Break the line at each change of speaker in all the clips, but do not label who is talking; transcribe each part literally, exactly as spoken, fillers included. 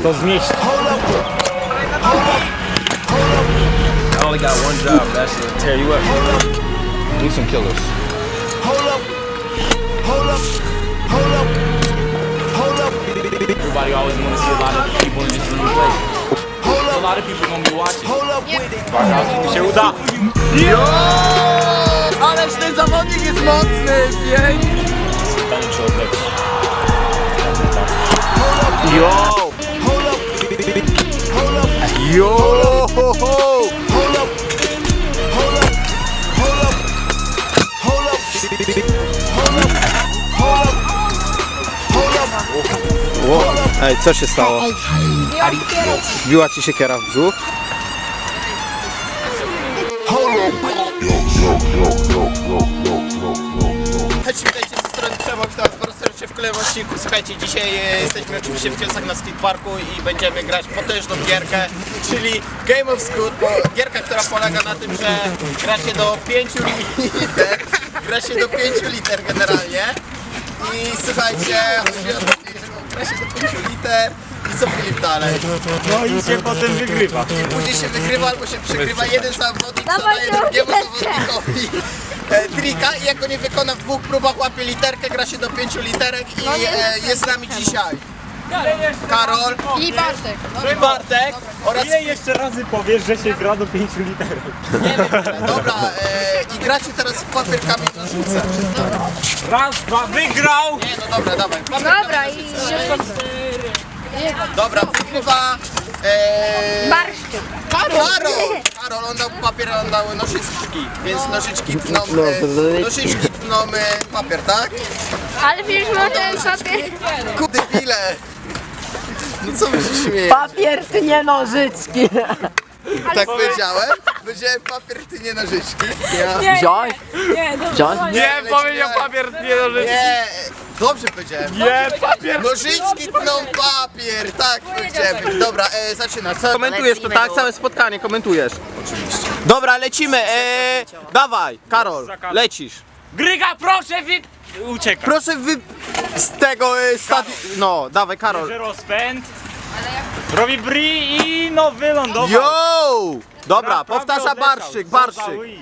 to zmieści.
I only got one job, that's to tear you up. We some killers.
Everybody always want to see a lot of people in this room play. A lot of people gonna be watching. Uwaga, czy mu się uda?
Jo! Ależ ten zawodnik jest mocny, pięknie!
Tańczy odleci.
Jo! Jo! Ho, ho. Ło, ej, co się stało? Wbiła ci siekiera w brzuch?
Hej, witajcie ze strony Przemo, witam was bardzo serdecznie w kolejnym odcinku. Słuchajcie, dzisiaj e, jesteśmy oczywiście w Kielcach na skateparku i będziemy grać potężną gierkę, czyli Game of Scoot, bo gierka, która polega na tym, że gra się do pięciu liter, gra się do pięciu liter generalnie. I słuchajcie, chodzi o to, że gra się do pięciu liter i co Filip dalej?
No i się potem wygrywa.
I później się wygrywa albo się przegrywa, jeden zawodnik zadaje drugiemu zawodnikowi e, trika i jak go nie wykona w dwóch próbach, łapie literkę, gra się do pięciu literek i e, jest z nami dzisiaj Karol
I Bartek.
i Bartek oraz...
Ile jeszcze razy powiesz, że się gra do pięciu literów?
Nie wiem, dobra, e, i gracie teraz w papier, kamień, nożyce.
Raz, dwa, wygrał!
Nie, no dobra, dawaj. Papier,
Dobra i
dobra, wygrywa e,
barszczyk.
Karol! Karol, on dał papier, on dał nożyczki, więc nożyczki tną, e, nożyczki tną e, papier, tak?
Ale przecież może papier.
Kudy pile! No co wy się śmieje?
Papier, ty nie nożyczki!
Tak powiedziałem? Powiedziałem papier, ty nie nożyczki. Ja...
Wziąć? Wziąć?
Nie, powiedział papier, nie nożyczki. Nie, dobrze powiedziałem.
Nie, papier!
Nożyczki tną papier, tak powiedziałem. Dobra, e, zaczyna. Co?
Komentujesz to tak, całe spotkanie komentujesz. Oczywiście. Dobra, lecimy, e, dawaj, Karol, lecisz.
Gryga, proszę, wy... Ucieka.
Proszę wy... z tego e, stadionu... No, dawaj, Karol.
Bierze rozpęd. Robi bri i no wylądował.
Yo! Dobra,
Naprawdę
powtarza
odleciał.
Barszyk,
Co za
Barszyk.
ui.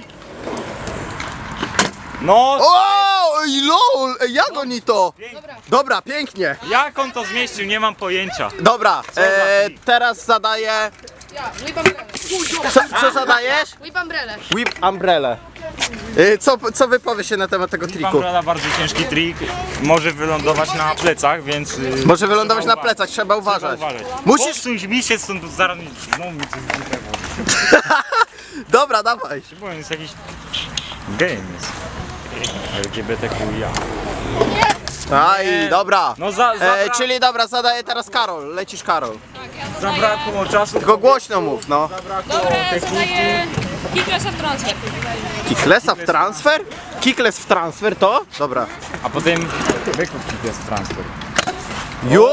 No,
O, ej, lol, ej, jak oni to? Dobra, pięknie.
jak on to zmieścił, nie mam pojęcia.
Dobra,
za
e,
trik?
teraz zadaję...
Ja, whip umbrella.
Co, co zadajesz?
Whip umbrella.
Whip umbrella. E, co, co wypowie się na temat tego triku?
Pamplona bardzo ciężki trik, może wylądować na plecach, więc... yy,
Może wylądować
trzeba
na plecach, trzeba uważać.
Trzeba uważać.
Musisz...
Posuń mi się stąd, bo zaraz mi znowu mi coś zniknęło.
Dobra, dawaj.
Bo on jest jakiś... game jest. L G B T Q I A.
Aj, dobra.
No za, za,
E, czyli dobra, zadaję teraz Karol. Lecisz, Karol.
zabrakło czasu.
Tylko głośno mów, no.
Dobra, zadaję Kicklessa w transfer.
Kicklessa w transfer? Kickless w transfer to? Dobra.
A potem wykup jest transfer.
Yo!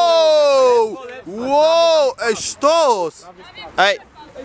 Wow! Ej, sztos! Ej!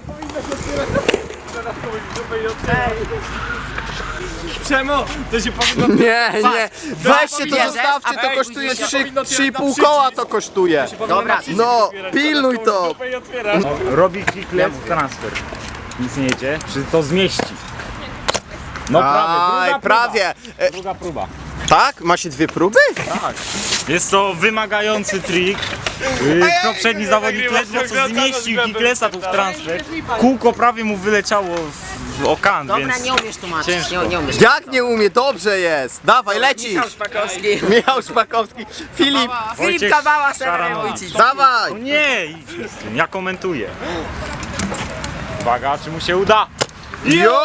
Czemu? To się powinno...
Nie, nie! Weźcie to, zostawcie, to kosztuje trzy i pół koła to kosztuje.
Dobra.
No, pilnuj to!
Robi kicklet w transfer. Nic nie jedzie. Czy to zmieści? No prawie,
Aj,
druga
prawie.
próba.
E,
Druga próba.
tak? Macie dwie próby?
Tak. Jest to wymagający trik. Yy, poprzedni zawodnik ledwo co zmieścił kicklessa tu w transfer. Kółko prawie mu wyleciało w, w okan,
Dobra,
więc
nie umiesz tłumaczyć,
ciężko.
nie, nie umiesz.
Jak nie umie? Dobrze jest! Dawaj, lecisz!
Szpakowski.
Michał Szpakowski. Filip,
Wojciech
Kawała,
Szaranowicz.
dawaj!
O nie, idź mi z tym, ja komentuję. Uwaga, czy mu się uda?
Jo!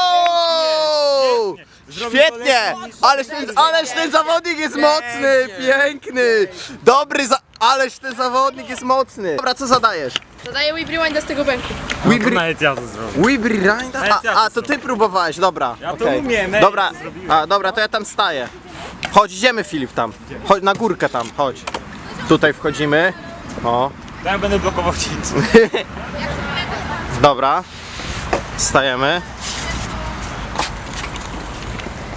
Zrobi to
Świetnie!
lepiej.
Ależ ten, ależ ten zawodnik jest mocny! Piękny! Dobry za... Ależ ten zawodnik jest mocny! Dobra, co zadajesz?
Zadaję whip rewinda z tego bęku.
No, to
Wibri...
nawet ja to zrobię.
Wibri Rinda?
Nawet ja
A,
to
a, to ty próbowałeś, dobra.
Ja to
okej.
umiem, ej,
Dobra,
ja to zrobiłem.
a, dobra, to ja tam staję. Chodź, idziemy Filip tam. Chodź, na górkę tam, chodź. Tutaj wchodzimy. O,
Ja będę blokował cięcie.
dobra. Stajemy.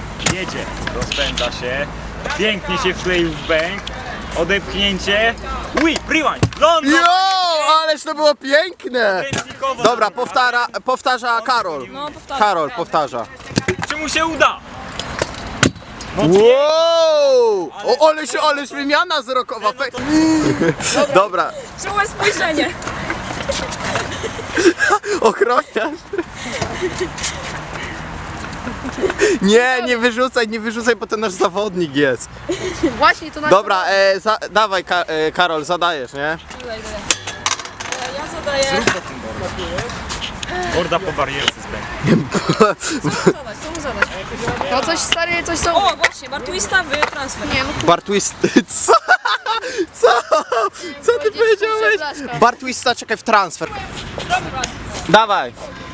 Jedzie, rozpędza się. Pięknie się wkleił w bęk. Odepchnięcie. Whip, rewind, London!
Jo, ależ to było piękne!
Ręcznikowo
Dobra,
zrobił.
powtara, powtarza Karol.
No, powtarzam.
Karol powtarza.
Czy mu się uda?
Wow! O, ależ, ależ wymiana wzrokowa. Fe... Dobra,
Czułe spojrzenie.
ochroniarz. Nie, nie wyrzucaj, nie wyrzucaj, bo to nasz zawodnik jest.
Właśnie to na
Dobra, e, za, dawaj Ka e, Karol, zadajesz, nie?
Tutaj, tutaj. E, Ja zadaję...
Morda po barierce zbędzie.
Co mu zadać? Co mu zadać?
No coś stary, coś są.
O, właśnie, Bartwista w transfer.
Nie, no
Bartwist... Co? Co? Co ty powiedziałeś?
blaszka.
Bartwista, czekaj, w transfer. Dawaj.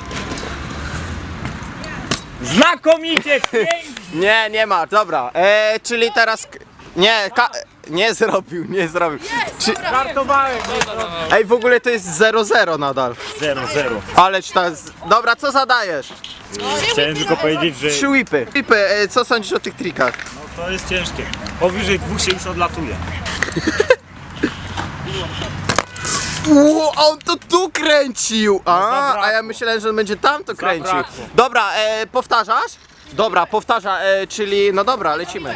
Znakomicie, pięknie!
Nie, nie ma, dobra. E, czyli teraz... k- Nie, ka... nie zrobił, nie zrobił. Czy...
Żartowałem,
Ej, w ogóle to jest zero zero nadal.
zero zero.
Ależ ta... z- Dobra, co zadajesz?
Chciałem tylko powiedzieć, że
Trzy whipy. Whipy, e, co sądzisz o tych trikach?
to jest ciężkie. Powyżej dwóch się już odlatuje.
Ło, a on to tu kręcił! A,
zabrakło.
a ja myślałem, że on będzie tam to kręcił.
Zabrakło.
Dobra, e, powtarzasz? Dobra, powtarza, e, czyli... No dobra, lecimy.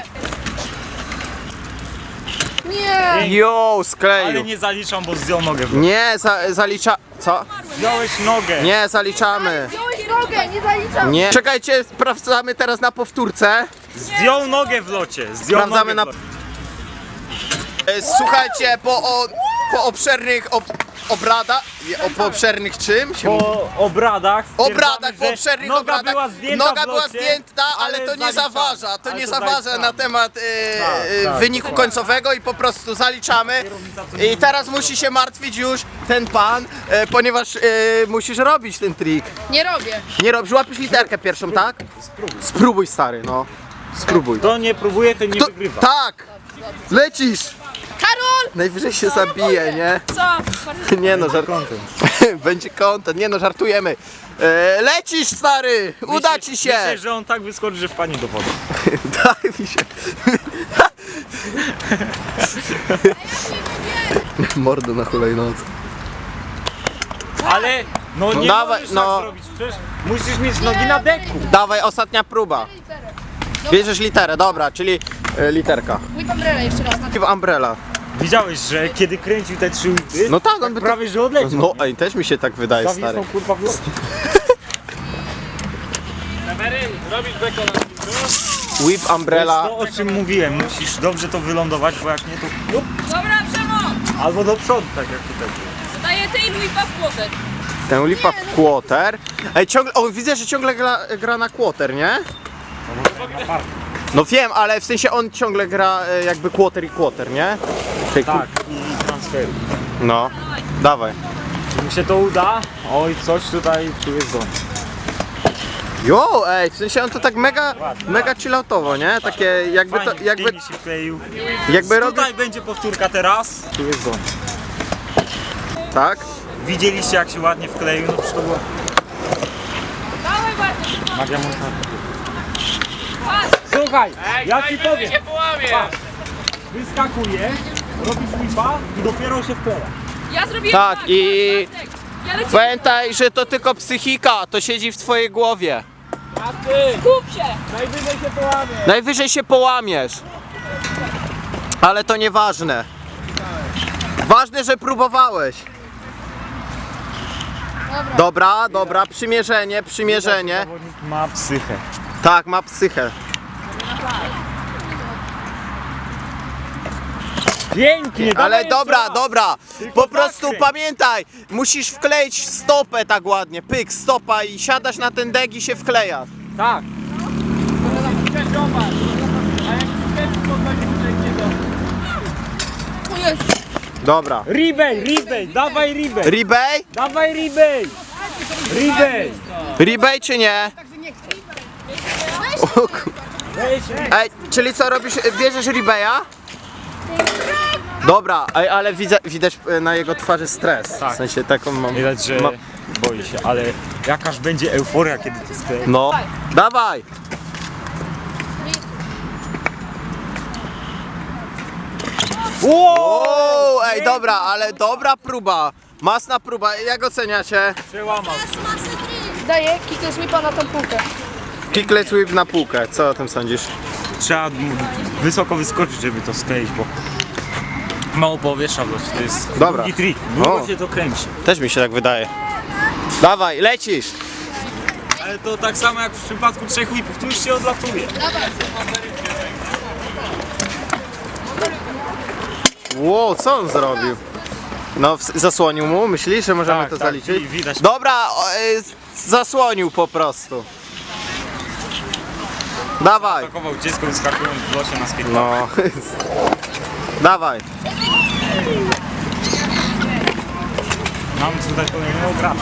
Nie.
Jo,
Ale
skleił.
nie zaliczam, bo zdjął nogę.
Nie, za, zalicza... Co?
Zdjąłeś nogę.
Nie, zaliczamy.
Wziąłeś nogę, nie zaliczam.
Nie. Czekajcie, sprawdzamy teraz na powtórce.
Zdjął nogę w locie. Zdjął
Sprawdzamy
nogę
na...
w locie.
E, Słuchajcie, po, o, po obszernych ob, obradach... O, po obszernych czym? Się mówi?
Po obradach
Obradach,
stwierdzamy,
po
że
obszernych
noga
obradach.
była zdjęta
Noga
w
była
locie,
zdjęta, ale, to nie
zaliczamy.
zaważa. To
Ale
nie
to
zaważa
zaliczamy.
na temat e,
Tak,
e,
tak,
wyniku końcowego i po prostu zaliczamy. I teraz musi się martwić już ten pan, e, ponieważ e, musisz robić ten trik.
Nie robię.
Nie robisz, łapiesz literkę pierwszą, tak? Spróbuj. Spróbuj, stary, no. Spróbuj.
Kto nie próbuje, ten nie
To,
wygrywa.
tak! Lecisz!
Karol!
Najwyżej się zabije, nie?
Co? Bartwista.
Nie no, żart... Będzie content, nie no, żartujemy. E, lecisz, stary! Uda ci się!
Myślę, że on tak wyskoczy, że wpadnie do wody.
Daj mi się. Mordo na hulajnodze.
Ale no nie
dawaj,
możesz
no.
tak zrobić, przecież musisz mieć nogi na deku.
Dawaj, ostatnia próba. Bierzesz literę, dobra, czyli e, literka.
Whip umbrella jeszcze raz. Na
W umbrella.
Widziałeś, że kiedy kręcił te trzy łipy,
No tak, on by to...
prawie że odleciał.
No, ej, też mi się tak wydaje, stary.
Zawisnął kurwa w locie.
Whip
To
umbrella.
jest to, o czym mówiłem, musisz dobrze to wylądować, bo jak nie to lub,
Dobra, Przemo!
albo do przodu, tak jak tutaj.
Zadaję tej Luipa w płotek.
Ten lipa w quarter. Ej, ciągle, o, widzę, że ciągle gra, gra na quarter, nie? No wiem, ale w sensie on ciągle gra e, jakby quarter i quarter, nie? Tej ku-
Tak, i transferu.
No, dawaj.
Czy mu się to uda? Oj, coś tutaj, tu jest zon.
Jo, ej, w sensie on to tak mega, mega chilloutowo, nie? Takie jakby to,
Fajnie,
jakby,
pięknie się wkleił.
jakby robił,
Tutaj będzie powtórka teraz. Tu jest zon.
tak?
Widzieliście jak się ładnie wkleił, no przecież to było
Dawaj, Bartwista.
magia montażu. Słuchaj, ja ci powiem. Patrz, wyskakuje, robisz whipa i dopiero się wkleja.
Ja zrobiłem
Tak,
tak,
i-
Bartek. Ja lecę.
Pamiętaj, że to tylko psychika, to siedzi w twojej głowie.
Kup się.
Najwyżej się połamie.
Najwyżej się połamiesz. Ale to nieważne. Ważne, że próbowałeś. Dobra, dobra, przymierzenie, przymierzenie.
Zawodnik ma psychę.
Tak, ma psychę.
Pięknie,
Ale
dawaj
dobra,
jeszcze raz.
dobra.
Tylko
Po prostu
zakręć.
pamiętaj, musisz wkleić stopę tak ładnie. Pyk, stopa i siadasz na ten dek i się wklejasz.
Tak.
O jest.
Dobra.
Rebay, rebay, dawaj rebay.
Rebay?
Dawaj rebay. Rebay.
Rebay czy nie? O ku-
Weź
Ej, czyli co robisz? Bierzesz rebaya? Dobra, ej, ale widzę, widać e, na jego twarzy stres.
Tak.
W sensie taką mam.
Widać, że
ma-
boi się, ale jakaż będzie euforia, kiedy to sklei.
No. Dawaj! Wow, ej, dobra, ale dobra próba. Masna próba, jak oceniacie?
Przełamał.
Daję kickle sweepa na tą półkę.
Kicklet whip na półkę, co o tym sądzisz?
Trzeba wysoko wyskoczyć, żeby to skleić, bo mało powietrza w locie. To jest
Dobra.
drugi trik.
O.
Długo się to kręci.
Też mi się tak wydaje. Dawaj, lecisz!
Ale to tak samo jak w przypadku trzech whipów, tu już się odlatuje.
Wow, co on zrobił? No, w- zasłonił mu, myślisz, że możemy
Tak,
to
tak,
zaliczyć?
wi- widać.
Dobra, o, y, zasłonił po prostu. Dawaj!
Atakował dziecko wyskakując w locie na skateparku.
No. Dawaj.
Mamy tutaj kolejnego gracza.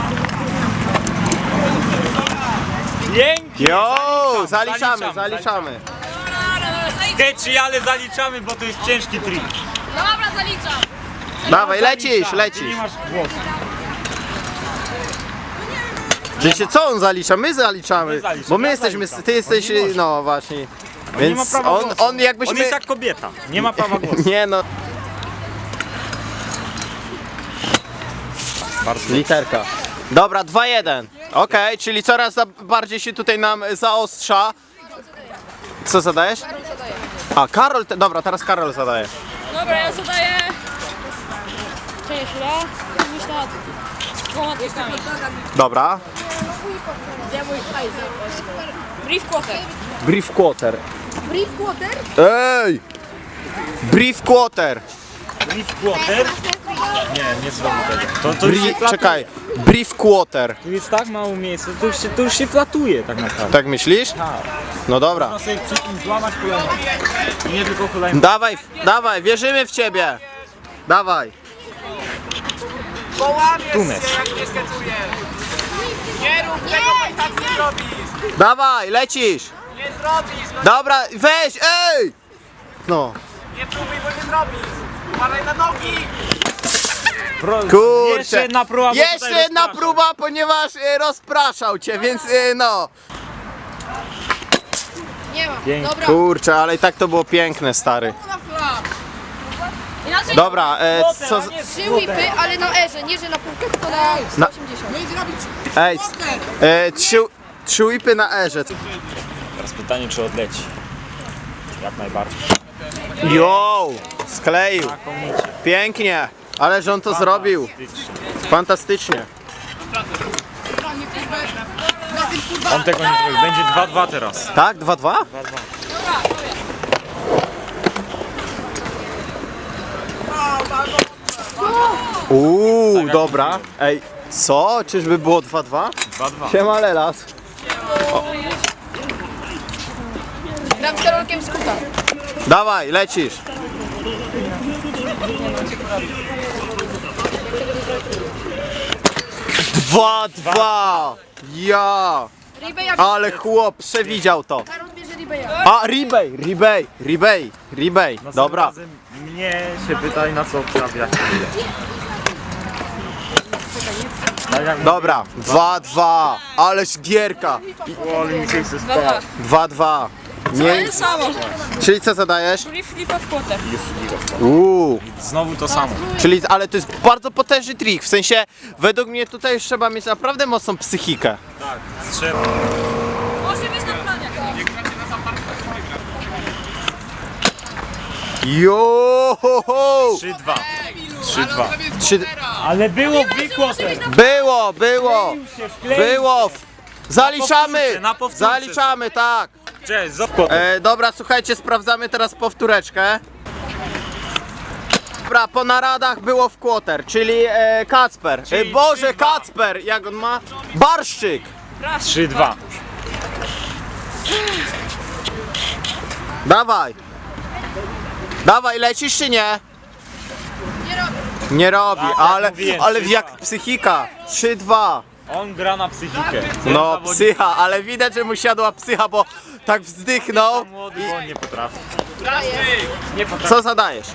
Pięknie!
Jo,
Zaliczam,
zaliczamy,
zaliczamy,
zaliczamy.
Sketchy, ale zaliczamy, bo to jest ciężki trik.
Dobra, zaliczam.
Dawaj, lecisz,
Zaliczam, ty
lecisz.
nie masz głosu.
Wiecie co on zalicza? My zaliczamy.
My zaliczamy,
Bo my
ja
jesteśmy,
zaliczam.
ty jesteś,
On nie może.
no właśnie.
On nie ma
Więc
prawa
on,
głosu.
on jakbyśmy...
On jest jak kobieta, nie ma prawa głosu.
Nie no,
Bardzo
literka. Dobra, dwa jeden. Okej, czyli coraz za- bardziej się tutaj nam zaostrza. Co zadajesz? A, Karol, te, dobra, teraz Karol zadaje.
Dobra, ja zadaję
Cześć, chwila. Myślę nad
dwoma trikami.
Dobra.
Brief quarter.
Brief quarter.
brief quarter.
Ej! Brief quarter.
Brief quarter? Nie, nie zrobię tego. To, to już się
Bri-
flatuje.
czekaj. Brief quarter.
Tu jest tak mało miejsca, to już się, to już się flatuje tak naprawdę.
Tak myślisz?
Tak.
No dobra.
Można sobie przy tym złamać kolano. I nie tylko kolano.
Dawaj, dawaj, wierzymy w ciebie. Dawaj.
Tunes.
Dawaj, lecisz.
Nie zrobisz, no
Dobra, weź, ej! No.
nie próbuj, bo nie zrobisz. Uważaj na nogi.
Pro...
Kurczę.
Jeszcze jedna próba, bo
Jeszcze
tutaj
jedna
rozpraszam.
próba, ponieważ e, rozpraszał cię, więc e, no.
Nie ma.
Pięknie.
Dobra.
Kurczę, ale i tak to było piękne, stary.
Inaczej
Dobra, e, co... z-
Trzy whipy, ale na erze, nie że na półkę, tylko na sto osiemdziesiąt.
Ej, c- e, trzy, trzy whipy na erze.
Teraz pytanie, czy odleci. Jak najbardziej.
Jo, skleił.
Znakomicie.
Pięknie. Ale że on to zrobił. Fantastycznie.
On tego nie zrobił. Będzie dwa dwa teraz.
Tak? dwa dwa? Uuu, dobra. Ej, co? Czyżby było dwa dwa?
dwa dwa.
Siema Lelas.
Gram z Karolkiem z kuta.
Dawaj, lecisz. Dwa dwa. Ja.
Ribey jak
Ale chłop przewidział to.
Karol bierze Ribeya.
A, Ribey, Ribey, Ribey, Ribey. Dobra.
Razem mnie się pytaj, na co obstawia. Tak jak
Dobra, dwa dwa. Ależ gierka.
mówię, mi się chce
dwa dwa.
spać.
dwa dwa. Nie,
To samo.
czyli co zadajesz?
Brief flipa w quarter.
Uuu.
Znowu to samo.
Czyli, ale to jest bardzo potężny trik, w sensie, według mnie tutaj już trzeba mieć naprawdę mocną psychikę.
Tak, trzeba.
Może być na planie.
Jo, ho, ho.
trzy dwa. trzy dwa.
Trzy...
Ale było wykłotem.
Było, było, było. Zaliczamy,
powtórce, na powtórce.
zaliczamy, tak.
Cześć, zopko.
E, dobra, słuchajcie, sprawdzamy teraz powtóreczkę. Dobra, po naradach było w quarter, czyli e, Kacper. E,
Czyli
Boże,
trzy dwa.
Kacper, jak on ma? Barszczyk.
trzy dwa.
Dawaj. Dawaj, lecisz czy nie?
Nie robię.
Nie robi,
Tak, jak
ale,
mówiłem,
ale
trzy
jak
dwa.
psychika. trzy dwa.
On gra na psychikę.
No,
Zawodnik
psycha, ale widać, że mu siadła psycha, bo tak wzdychnął.
Młody, bo on nie potrafi. Nie potrafi.
Co zadajesz?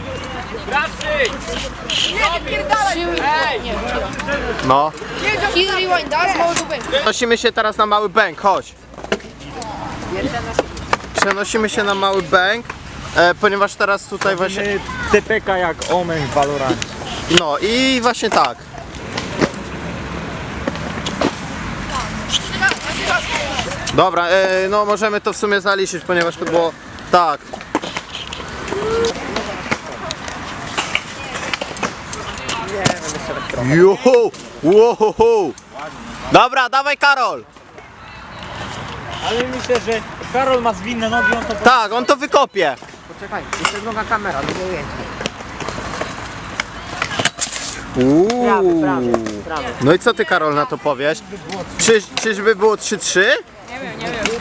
Trzy whipy. Nie,
No.
Kill rewind, da, z małego bęku.
Przenosimy się teraz na mały bęk, chodź. Przenosimy się na mały bęk. e, ponieważ teraz tutaj właśnie...
Właśnie T P K jak Omen w Valorancie.
No i właśnie tak. Dobra, e, no możemy to w sumie zaliczyć, ponieważ to było... Tak. Juhu! Wow! Dobra, dawaj Karol!
Ale myślę, że Karol ma zwinne nogi, on to...
Tak, on to wykopie.
Poczekaj, jeszcze druga kamera, drugie ujęcie.
Uuu.
Prawy, prawy, prawy.
No i co ty Karol na to powiesz? Czy, czyżby było trzy trzy?
Nie wiem, nie wiem.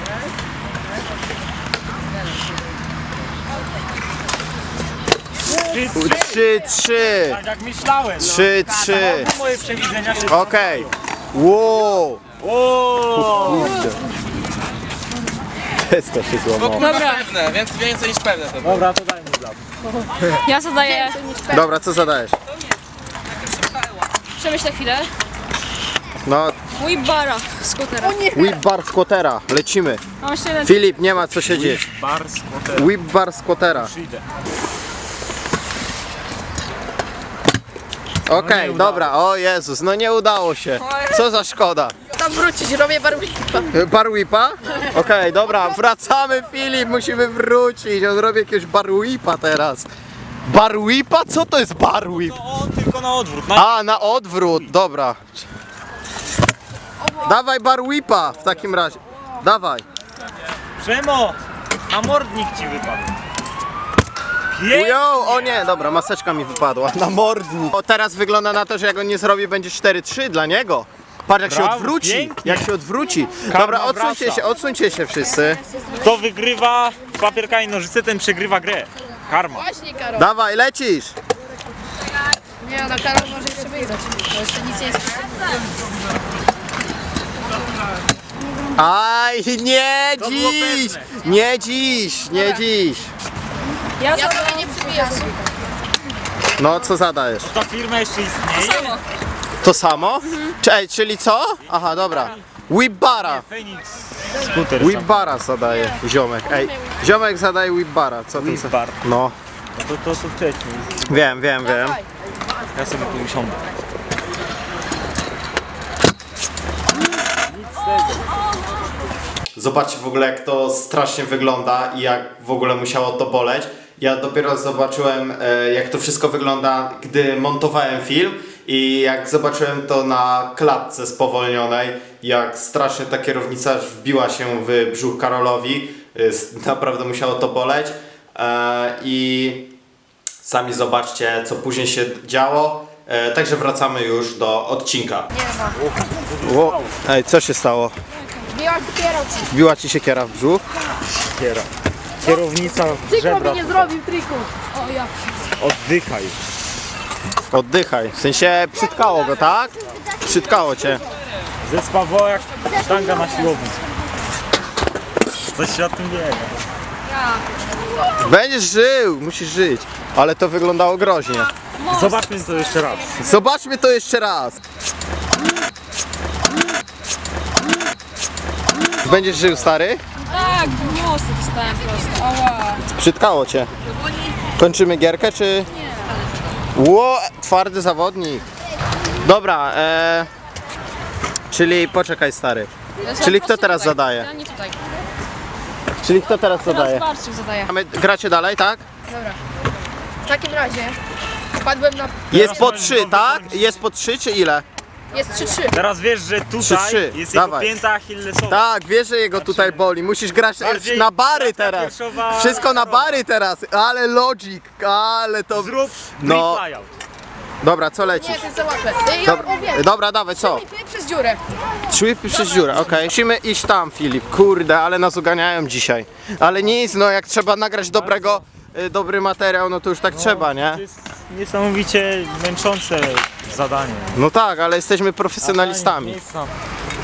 trzy, trzy.
trzy trzy.
Tak jak myślałem. No.
trzy trzy.
To moje przewidzenia się...
Okej. Wow.
O!
Kurde. Wszystko się złamało.
Dobra,
Pewne, więc więcej niż pewne to było.
Dobra, to daj mi dla.
ja zadaję.
Dobra, co zadajesz?
Przemyślę chwilę.
No,
Mój bara skutera.
whip bar squattera. Lecimy.
Mam jeszcze jeden.
Filip, nie ma co siedzieć.
Bar squatter.
Whip bar squattera.
Przyjdę.
Okej,
nie udało
dobra. O Jezus, no nie udało się. Co za szkoda.
Tam wrócić, robię barwnika.
Bar whipa? Okej, dobra, wracamy Filip, musimy wrócić. On robi jakiegoś bar whipa teraz. Bar whipa? Co to jest bar whip?
To on tylko na odwrót. Na...
A, na odwrót, dobra. Dawaj bar whipa w takim razie. Dawaj.
Przemo! Na mordnik ci wypadł. Pięknie!
Ujo, o nie, dobra, maseczka mi wypadła na mordnik. O, teraz wygląda na to, że jak on nie zrobi, będzie cztery trzy dla niego. Patrz jak się
Brawo,
odwróci,
pięknie.
jak się odwróci.
Karma
Dobra, odsuńcie
wraca.
się, odsuńcie się wszyscy.
Kto wygrywa w papierka i nożyce, ten przegrywa grę. Karma.
Właśnie, Karol.
Dawaj, lecisz.
Nie, no Karol może jeszcze wygrać, bo jeszcze nic nie jest.
Aj, nie
To było
dziś,
pewne.
nie dziś, nie dziś.
Ja
Ja
zadaję.
tobie nie przybijam.
No, co zadajesz?
Ta firma jeszcze istnieje?
Samo.
To samo? Cze- czyli co? Aha, dobra. Whip bara.
Phoenix. Skuter.
Whip bara zadaje ziomek. Ej, ziomek zadaje whip bara. Co ty?
Whip bar.
No,
No to, to, to wcześniej.
wiem, wiem, wiem.
Ja sobie tu usiądę.
Zobaczcie w ogóle jak to strasznie wygląda i jak w ogóle musiało to boleć. Ja dopiero zobaczyłem e, jak to wszystko wygląda, gdy montowałem film i jak zobaczyłem to na klatce spowolnionej, jak strasznie ta kierownica aż wbiła się w brzuch Karolowi. E, s- naprawdę musiało to boleć. E, I sami zobaczcie co później się działo. E, także wracamy już do odcinka.
Nie ma.
O, ej, co się stało?
Biła kierowca.
Wbiła ci się kiera w brzuch?
Kiera. Kierownica
Przykro
żebra.
mi nie zrobił triku. O ja.
Oddychaj.
Oddychaj. W sensie przytkało go, tak? Przytkało cię.
Zespawało jak sztanga na siłowni. Coś się o tym wie.
Będziesz żył, musisz żyć. Ale to wyglądało groźnie.
Zobaczmy to jeszcze raz.
Zobaczmy to jeszcze raz. Będziesz żył, stary?
Tak, w most dostałem prosto. Ała.
Przytkało cię. Kończymy gierkę, czy... Ło, twardy zawodnik. Dobra, e... czyli poczekaj, stary. Czyli kto teraz zadaje?
Ja nie tutaj.
Czyli kto teraz
Teraz
zadaje?
Barczyk zadaje.
Mamy- Gracie dalej, tak?
Dobra. W takim razie wpadłem na...
Jest po trzy, tak? Jest po trzy, czy ile?
Jest trzy trzy.
Teraz wiesz, że tutaj
Trzy, trzy.
jest jego
Dawaj.
pięta achillesowa.
Tak, wiesz, że jego tutaj boli. Musisz grać
Bardziej
na bary
praca
teraz.
piersiowa-
Wszystko na bary teraz. Ale logic, ale to...
Zrób
No.
no. flyout.
Dobra, co
Nie,
lecisz?
to jest za łatwe. Ej, ja
Dobra,
wiem.
dobra, dawaj, co?
Ty przez dziurę.
Trzy whipy przez dziurę, okej. Musimy iść tam, Filip. Kurde, ale nas uganiają dzisiaj. Ale nic, no jak trzeba nagrać dobrego, y, dobry materiał, no to już tak trzeba, nie?
To jest niesamowicie męczące zadanie.
No tak, ale jesteśmy profesjonalistami.
Nic tam.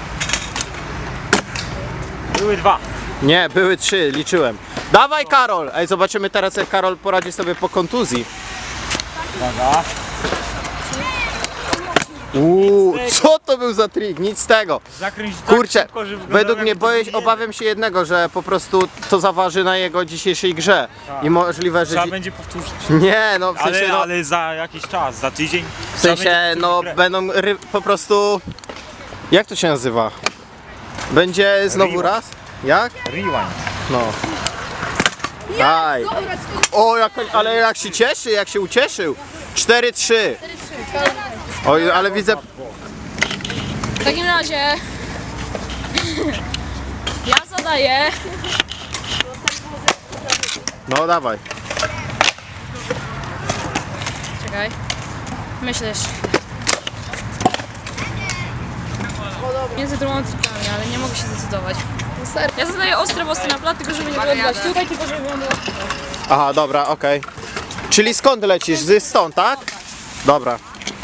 Były dwa.
Nie, były trzy, liczyłem. Dawaj, Karol! Ej, zobaczymy teraz, jak Karol poradzi sobie po kontuzji.
Uwaga.
Uuu, co to był za trik? Nic z tego.
Zakręć tak
Kurczę,
szybko, że wyglądało
według mnie
jakby
boję,
to nie-
obawiam się jednego, że po prostu to zaważy na jego dzisiejszej grze. I możliwe, że...
Trzeba
dzi-
będzie powtórzyć.
Nie, no w sensie,
Ale,
no,
ale za jakiś czas, za tydzień.
w sensie, no będą ry... po prostu... Jak to się nazywa? Będzie znowu
Rewind.
raz? Jak?
Rewind.
No. Daj. O, jak, ale jak się cieszy, jak się ucieszył. cztery trzy. Oj, ale widzę...
W takim razie ja zadaję
No dawaj.
Czekaj. Myślisz. Między drugą trikami, ale nie mogę się zdecydować. Ja zadaję ostre mosty na plat, tylko żeby nie wylądować tutaj, tylko żeby wylądować tutaj.
Aha, dobra, okej. Czyli skąd lecisz? Z stąd, tak? Dobra.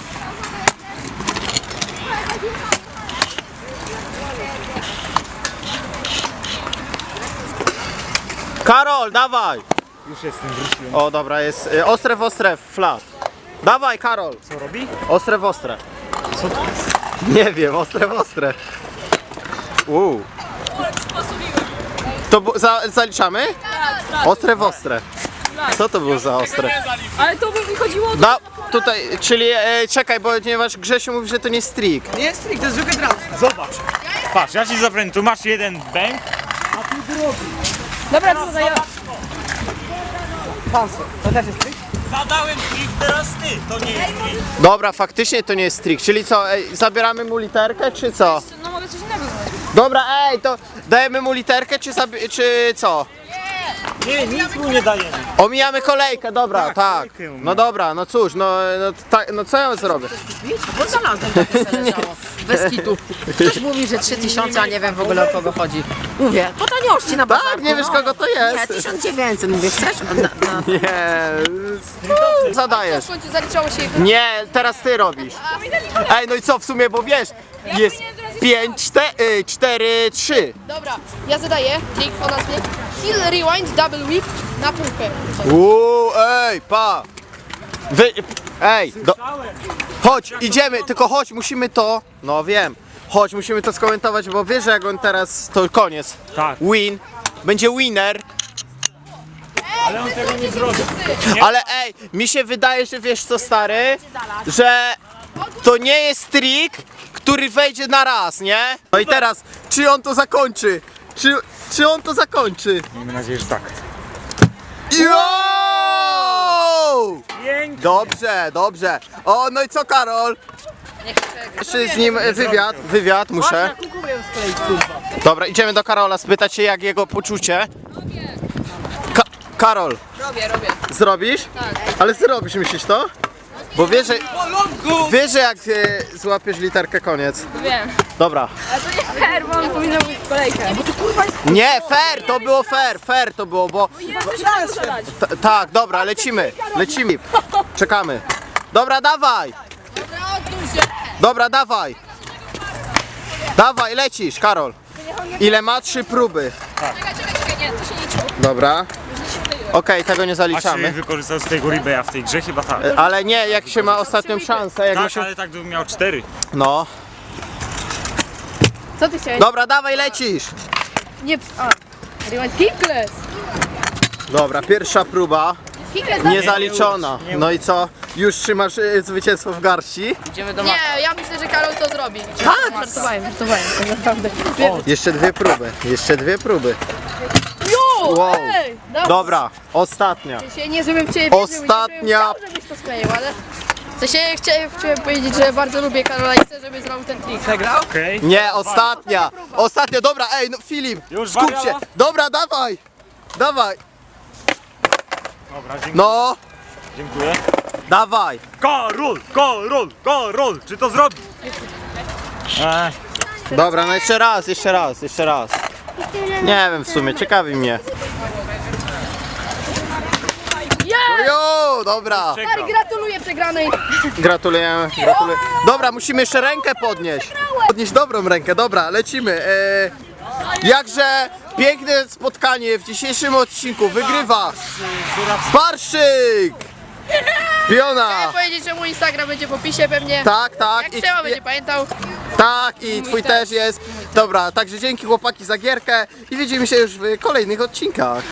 Karol, dawaj!
Już jestem, wróciłem.
O, dobra, jest y, ostre w ostre, flat. Dawaj, Karol!
Co robi?
Ostre w ostre.
Co to?
Nie wiem, ostre w ostre. Uuu. To bu- za, zaliczamy? Ostre w ostre. Co to było za ostre?
Ale to by mi chodziło o to,
No, tutaj, czyli e, czekaj, bo ponieważ Grzesiu mówi, że to nie strik.
Nie jest trik, to jest zwykły trans.
Zobacz. Patrz, ja ci zabrałem, tu masz jeden bęk.
Dobra, to zadaję.
Pansy. To też jest trik?
Zadałem trik, teraz ty. To nie jest trik.
Dobra, faktycznie to nie jest strik. Czyli co, ej, zabieramy mu literkę, czy co?
No mogę coś innego zadać.
Dobra, ej, to dajemy mu literkę, czy, zabi- czy co?
Nie, nic mu nie dajemy.
Omijamy kolejkę, dobra, tak.
kolejkę omijamy.
No dobra, no cóż, no, no, tak, no co ja zrobię?
Bo znalazłem takie se leżało. Bez kitu. Ktoś mówi, że trzy tysiące, a nie wiem w ogóle o kogo chodzi. Mówię, po taniości na bazarku.
Tak, nie wiesz
no.
kogo to
Nie,
jest?
tysiąc dziewięćset, mówię, chcesz? Na, na...
Nie, zadajesz.
W końcu zaliczało się jego.
Nie, teraz ty robisz. Ej, no i co w sumie, bo wiesz, jest pięć, cztery, trzy.
Dobra, ja zadaję trik o nazwie Hill Rewind Double Whip na półkę.
Uuu, ej, pa! Wy, ej, do, chodź, idziemy, tylko chodź, musimy to, no wiem, chodź, musimy to skomentować, bo wiesz, że jak on teraz, to koniec,
Tak.
win, będzie winner,
Ale on tego nie zrobi.
ale ej, mi się wydaje, że wiesz co, stary, że to nie jest trik, który wejdzie na raz, nie? No i teraz, czy on to zakończy? Czy, czy on to zakończy?
Miejmy nadzieję, że tak.
Yo!
Pięknie.
Dobrze, dobrze. O, no i co, Karol? Jeszcze z nim wywiad, wywiad muszę. Dobra, idziemy do Karola spytać się, jak jego poczucie. Ka Karol.
Robię, robię.
Zrobisz? Tak. Ale zrobisz, myślisz to? Bo wiesz, że, wiesz, że jak e, złapiesz literkę, koniec.
Wiem.
Dobra.
Ale to nie fair, bo on powinien być w kolejkę.
Nie, fair, to było fair, fair to było, bo...
Ja też mogę zadać.
T tak, dobra, lecimy, lecimy. Czekamy. Dobra, dawaj.
Dobra, odsuń się.
Dobra, dawaj. Dawaj, lecisz, Karol. Ile ma? Trzy próby.
Czekaj, czekaj, czekaj, nie, to się nie liczy.
Dobra. Okej, tego nie
A czy
zaliczamy.
wykorzystał z tego Ribeya w tej grze? Chyba tak.
Ale nie, jak się ma ostatnią szansę, jak ma
Tak,
się...
ale tak bym miał cztery.
No.
Co ty chciałeś?
Dobra, dawaj, lecisz.
Nie, a. Rewind Kickless.
Dobra, pierwsza próba.
Kickless
Nie zaliczona. No i co? Już trzymasz y, zwycięstwo w garści?
Idziemy do
Nie, ja myślę, że Karol to zrobi.
Tak!
Żartowałem, żartowałem, tak naprawdę.
Jeszcze dwie próby, jeszcze dwie próby.
Jo!
Wow.
Ej! Dobra.
Dobra, ostatnia.
W sensie nie żebym w ciebie wierzył,
Ostatnia-
nie żebym chciał, żebyś to skleił, ale... W sensie chciałem, chciałem powiedzieć, że bardzo lubię Karola i chcę, żeby zrobił ten trik.
Przegrał?
Okej.
Nie, ostatnia. Ostatnia, dobra, ej, no Filip,
Już
skup się.
wariało?
Dobra, dawaj. Dawaj.
Dobra, dziękuję.
No,
Dziękuję.
dawaj.
Karol, Karol, Karol, czy to zrobi? Ech,
Dobra, no jeszcze raz, jeszcze raz, jeszcze raz. Nie wiem w sumie, ciekawi mnie.
Yeah!
Jo, dobra.
przegrał.
Gratuluję przegranej.
Gratulujemy, gratuluję. Dobra, musimy jeszcze rękę podnieść. Podnieść dobrą rękę, dobra, lecimy. E, jakże piękne spotkanie w dzisiejszym odcinku wygrywa Barszyk! Fiona!
Chciałem powiedzieć, że mój Instagram będzie w opisie pewnie.
Tak, tak.
Jak
I,
trzeba będzie pamiętał.
tak, i twój też jest. Dobra, także dzięki chłopaki za gierkę i widzimy się już w kolejnych odcinkach.